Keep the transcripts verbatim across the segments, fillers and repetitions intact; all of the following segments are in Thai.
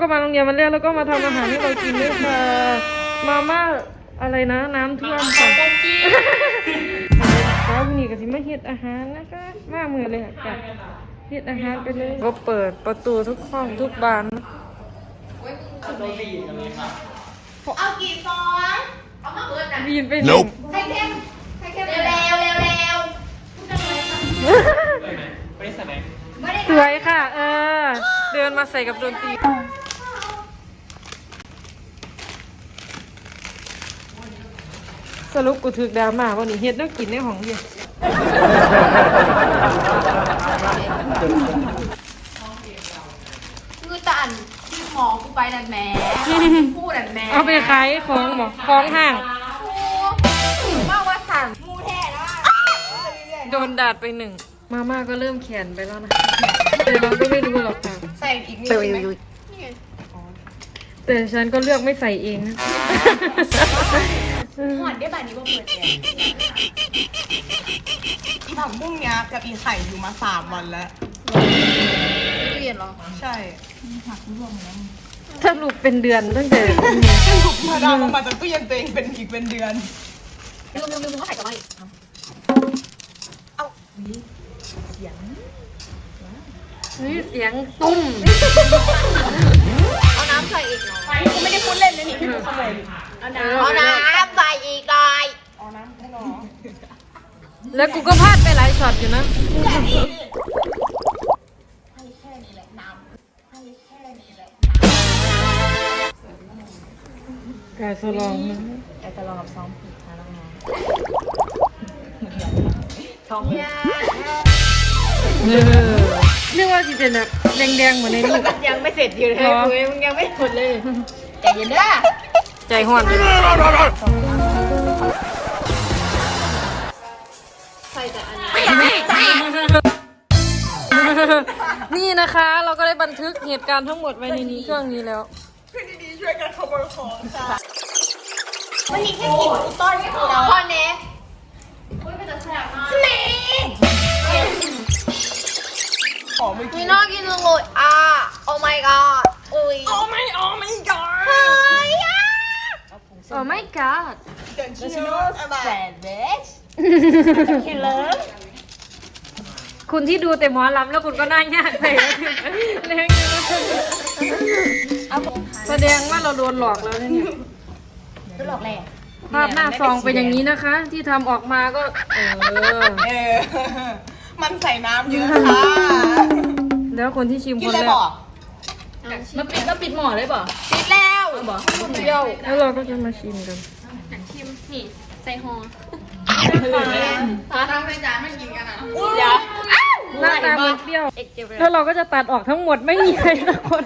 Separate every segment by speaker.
Speaker 1: ก็มาโรงเรียนวันแรกแล้วก็มาทำอาหารให้เรากินด้วยค่ะมาม่าอะไรนะน้ำท่วมค่ะเช้าวันนี้ก็สิมาเฮ็ดอาหารนะคะมามือเลยค่ะเฮ็ดอาหารไปเลยก็เปิดประตูทุกห้องทุกบาน
Speaker 2: เอากี่ซองเอามาเบิดนะ
Speaker 1: บีนไปหนึ่ง
Speaker 2: ใครเข้มใครเข้มเร็วเร็วเร็วเร็ว
Speaker 1: ไม่ได้แสดงสวยค่ะเออเดินมาใส่กับดนตรีสรุปกูถึกดราม่าวันนี้เฮ็ดต้องกินในห้องเดียว
Speaker 2: คือตาอันที่หมอกูไปนั่นแม่พูดนั่นแม่
Speaker 1: เอาไปขายของหมอของห้าง
Speaker 2: ว่าว่าสั่งมูแท้แล้ว
Speaker 1: โดนดาดไปหนึ่งมาม่าก็เริ่มแขนไปแล้วนะแต่เราก็ไม่รู้หรอกค่ะ
Speaker 2: ใส่อีกนิดไหม
Speaker 1: แต่ฉันก็เลือกไม่ใส่เองนะ
Speaker 2: หอดได้แบบนี้ว่าเปิดแอร์ผักบุ้งเนี้ยกับอีไข่อยู่มาสามวันแล้วตู้เย็นเหรอใช่ผักร่วงแล้ว
Speaker 1: สรุปเป็นเดือนตั้งแต่
Speaker 2: สรุปมาดามมาจากตู้เย็นตัวเองเป็นอีกเป็นเดือนลืมลืมลืมเขาใส่กับอะไรเอาเสียง
Speaker 1: นี่เสียงตุ้ม
Speaker 2: เอาน้ำใส่อีกหน่อยกูไม่ได้พูดเล่นนะนี่พี่ดูขโมยเอาน้ำเอาน้ำใส่อีกหน่อยเอาน้ำให้หน่อย
Speaker 1: แล้วกูก็พลาดไปหลายช็อตอยู่นะ
Speaker 2: ให้แค่นี้แหละน้ำให้แค่นี้แหละ
Speaker 1: กาสลองนะ
Speaker 2: กาสลองกับซ้อมผิดนะน้องๆท้องยา
Speaker 1: เออเรียกว่าสิเป็นแบบแดงๆเหมือนในนี้
Speaker 2: ยังไม่เสร็จอยู่เลยคุยมึงยังไม่หมดเลยใจเย็นด้ะ
Speaker 1: ใจห้อน
Speaker 2: ใส่แต่อันนี้
Speaker 1: นี่นะคะเราก็ได้บันทึกเหตุการณ์ทั้งหมดไว้ในนี้เครื่องนี้แล้ว
Speaker 2: พี่ดีๆช่วยกันขโมยของค่ะวันนี้แค่กินอุต้นไม่พอแล้วเน่โอ้ยเป็นแต่แสบมากเน่มีน่ากินจังเลยอ่ะ oh my god อุ้ย
Speaker 1: oh my oh my god
Speaker 2: เฮ้ยอ่ะ
Speaker 1: oh my god
Speaker 2: เดินชิโน่แซนด์วิชคิลเลอร์
Speaker 1: คุณที่ดูแต่หมอลำแล้วคุณก็น่ายากไปเรื่องแสดงว่าเราโดนหลอกแล้วเนี่ย
Speaker 2: โดนหลอกแหละ
Speaker 1: ภาพหน้าซองเป็นอย่างนี้นะคะที่ทำออกมาก็เออ
Speaker 2: เออมันใส่น้ำเยอะค่ะ
Speaker 1: แล้วคนที่ชิมคนแรก
Speaker 3: มาปิดก็ปิดหม้อเลยป่ะ
Speaker 2: ปิดแล้ว
Speaker 3: บอก
Speaker 1: เปรี้ยวแล้วเราก็จะมาชิมกัน
Speaker 3: ชิมนี่ใส่ห่อ
Speaker 2: ตั้งใจจานไม่กินกันอ่ะ
Speaker 1: อย่าหน้าตามันเปรี้ยวแล้วเราก็จะตัดออกทั้งหมดไม่มีใครสักคน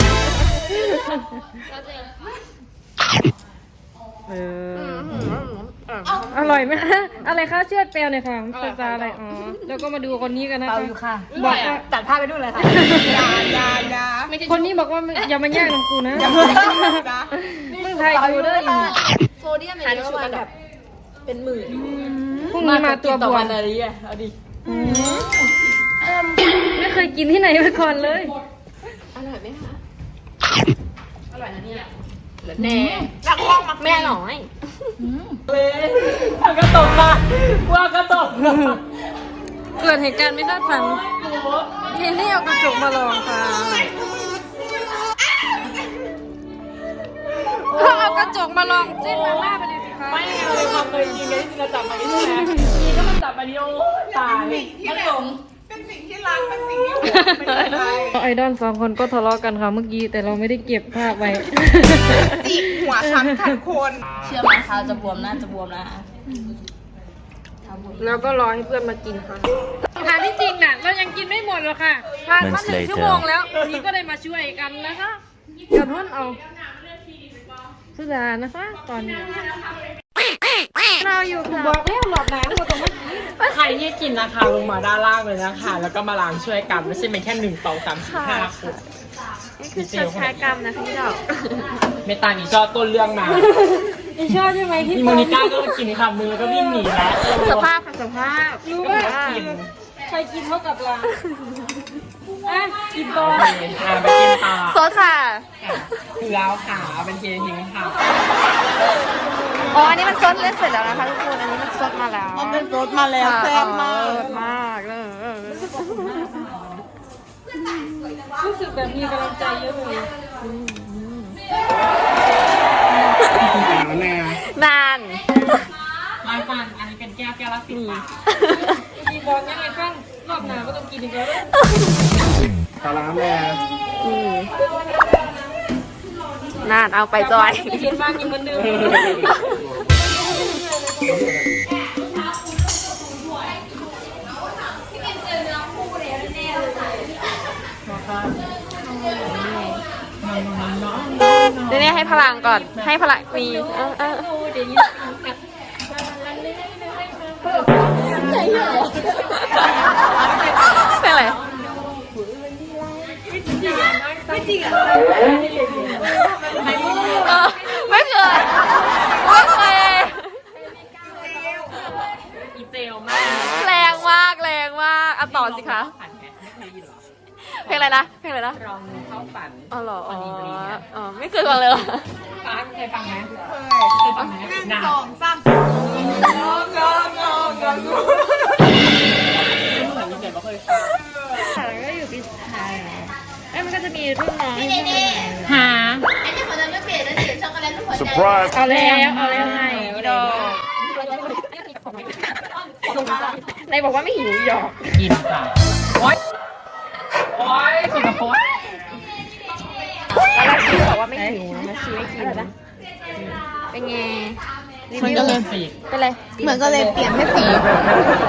Speaker 1: เอออร่อยไหมคะอะไรคะเชือดเปรี้ยวเนี่ยค่ะภาษาอะไรอ๋อแล้วก็มาดูคนนี้กันนะคะ
Speaker 2: บอกตัดภาพไปดูเลยค่ะยายายา
Speaker 1: คนนี้บอกว่าอย่ามาแย่งน้ำกูนะมึงไทยดูด้วย
Speaker 2: โซเดียมเนี่ยเยอะมาแบบเป็นหมื่น
Speaker 1: พรุ่งนี้มาตัวบวม
Speaker 3: อะไรอ่ะเอาดิ
Speaker 1: ไม่เคยกินที่ไหนมาก่อนเลย
Speaker 2: อร่อยไหมคะ
Speaker 3: อร่อยนะเนี่ย
Speaker 2: แน่รักห้องมา
Speaker 3: แม่หน่อยเลยว่ากระตกมาว่ากระตก
Speaker 1: เกิดเหตุการณ์ไม่คาดฝันนี่นี่เอากระจกมาลองค่ะก็เอากระจกมาลองจิ้มมาม่าไปเลยสิคะ
Speaker 3: ไม่เลยความเคยกินกันที่เราจับมาที่นี่นะกินก็มันจับมาดิโอตายมันหลง
Speaker 2: เป็นสิ่งที่รักเป็นสิ่งที่
Speaker 1: ไอดอลสองคนก็ทะเลาะกันค่ะเมื่อกี้แต่เราไม่ได้เก็บภาพไว้
Speaker 2: จิกหัวช้ำขัดคน
Speaker 3: เชื่อไหมเท้าจะบวมนะจะบวมนะ
Speaker 1: แล้วก็รอให้เพื่อนมากินค่ะทานที่จริงน่ะเรายังกินไม่หมดหรอกค่ะผ่านมาหนึ่งชั่วโมงแล้วนี่ก็ได้มาช่วยกันนะคะกระทุ่นเอาสุดานะคะตอนนี้เราอยู่ค่ะบอกแล้วหลอดน้ำมาตรงนี้
Speaker 3: ใครที่กินนะคะลงมาด้านล่างเลยนะคะแล้วก็มาล้างช่วยกันไม่ใช่เป็นแค่หนึ่งสองสามสี่ห้าคน
Speaker 1: นี่คือชดใช้กรรมนะพี่ดอก
Speaker 3: เมตาหนีชอบต้นเรื่องมา
Speaker 1: อีชอบใช่ไหมที่
Speaker 3: โมนิก้าก็กินคำมือแล้วก็วิ่งหนีแล้ว
Speaker 1: สภาพค่ะสภาพรู้ว่าใครกินเท่ากับเราอ่ะกินต่อ
Speaker 3: อ่ะไปกินต่อ
Speaker 2: ซดค่ะ
Speaker 3: คือแล้วค่ะเอาเป็นเทียนทิ้งค่ะ
Speaker 2: อ๋อ อันนี้มันซดเล่นเสร็จแล้วนะคะทุกคน อันนี้มันซดมาแล้ว
Speaker 3: มันเป็นรสมาแล้วแซ่บมาก
Speaker 2: ซดมากเลย
Speaker 1: รู้สึกแบบมีกำลังใจเยอะเลย
Speaker 2: นาน
Speaker 3: ลายฟันอันนี้เป็นแก้วแก้วละสิบบาท
Speaker 1: มีบอกยังไงบ้างรอบหน้าก็ต้องกินอีกแล้ว
Speaker 4: ตาล้างแม่
Speaker 2: นานเอาไปจอย
Speaker 1: เขียนมากินเหมือนเดิม
Speaker 2: เดี๋ยวนี้ให้พลังก่อน ให้พลังมีเออเออเป็นอะไรไม่จริงอ่ะไม่เคยไม่เคย
Speaker 3: อีเจลมาก
Speaker 2: แรงมากแรงมากอ่ะต่อสิคะ
Speaker 3: ฝันไหมไม่เคยยินหรอ
Speaker 2: เพลงอะไรนะเพลงอะไรนะ
Speaker 3: ลองเข้าฝัน
Speaker 2: อ๋อเหรออ๋อ
Speaker 3: วันนี้วันนี้เนี่ย
Speaker 2: อ๋อไม่เคยฟังเลยเหรอ
Speaker 3: ฟ้าเคยฟังไหมเคยเคยฟังไหมหนึ่งสองสามงองงองงองเหมือนมีเสียงเราเคยฟัง
Speaker 1: แล้วก็อยู่ปีสุดท้ายเอ้ยมันก็จะมีรุ่นน้อง
Speaker 3: หา
Speaker 2: อันนี้เขาจะไม่เปลี่ยนแล้วเสียช็อกโกแลตลูกหัวใจ
Speaker 4: surprise
Speaker 1: เอาแล้วเอาแล้วไง
Speaker 2: ดอก
Speaker 1: นายบอกว่าไม่หิวหยอก
Speaker 3: กินค่ะโอ๊ยโอ๊ยสุดโป๊ะ
Speaker 1: แล้วชีบอกว่าไม่หิวนะชีไม่กินนะ
Speaker 2: เป็นไง
Speaker 3: มันก็เลยสี
Speaker 2: เป็นไร
Speaker 5: เหมือนก็เลยเปลี่ยนให้สี
Speaker 2: เ